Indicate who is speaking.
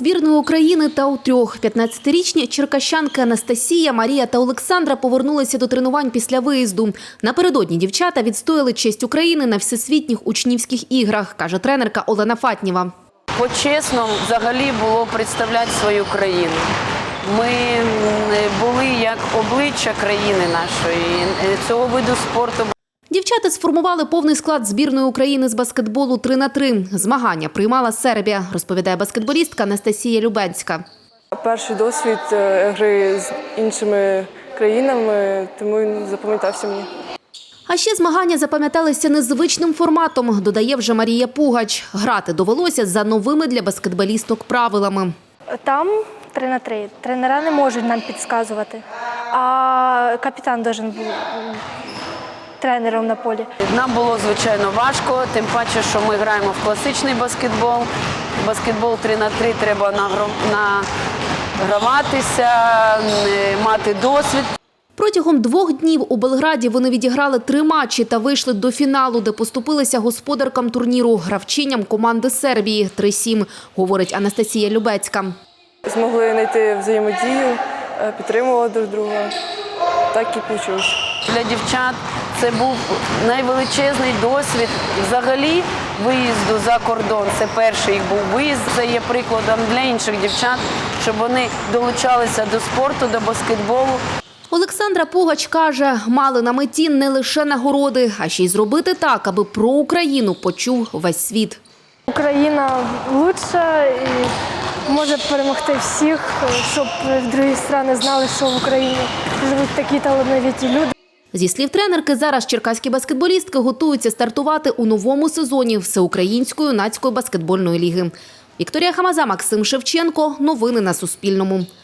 Speaker 1: збірної України та у трьох. 15-річні черкащанки Анастасія, Марія та Олександра повернулися до тренувань після виїзду. Напередодні дівчата відстояли честь України на всесвітніх учнівських іграх, каже тренерка Олена Фатнєва.
Speaker 2: По-чесному взагалі було представляти свою країну. Ми були як обличчя країни нашої, цього виду спорту.
Speaker 1: Дівчата сформували повний склад збірної України з баскетболу 3х3. Змагання приймала Сербія, розповідає баскетболістка Анастасія Любенська.
Speaker 3: Перший досвід гри з іншими країнами, тому він запам'ятався мені.
Speaker 1: А ще змагання запам'яталися незвичним форматом, додає вже Марія Пугач. Грати довелося за новими для баскетболісток правилами.
Speaker 4: Там 3х3. Тренера не можуть нам підказувати, а капітан має бути тренером на полі.
Speaker 2: Нам було, звичайно, важко, тим паче, що ми граємо в класичний баскетбол. Баскетбол 3х3 треба награватися, мати досвід.
Speaker 1: Протягом 2 днів у Белграді вони відіграли 3 матчі та вийшли до фіналу, де поступилися господаркам турніру – гравчиням команди Сербії 3-7, говорить Анастасія Любецька.
Speaker 3: Змогли знайти взаємодію, підтримували друг друга. Так і вийшло.
Speaker 2: Для дівчат це був найвеличезний досвід взагалі виїзду за кордон. Це перший їх був виїзд, це є прикладом для інших дівчат, щоб вони долучалися до спорту, до баскетболу.
Speaker 1: Олександра Пугач каже, мали на меті не лише нагороди, а ще й зробити так, аби про Україну почув весь світ.
Speaker 4: Україна лучша і може перемогти всіх, щоб інші країни знали, що в Україні живуть такі талановиті люди.
Speaker 1: Зі слів тренерки, зараз черкаські баскетболістки готуються стартувати у новому сезоні Всеукраїнської юнацької баскетбольної ліги. Вікторія Хамаза, Максим Шевченко. Новини на Суспільному.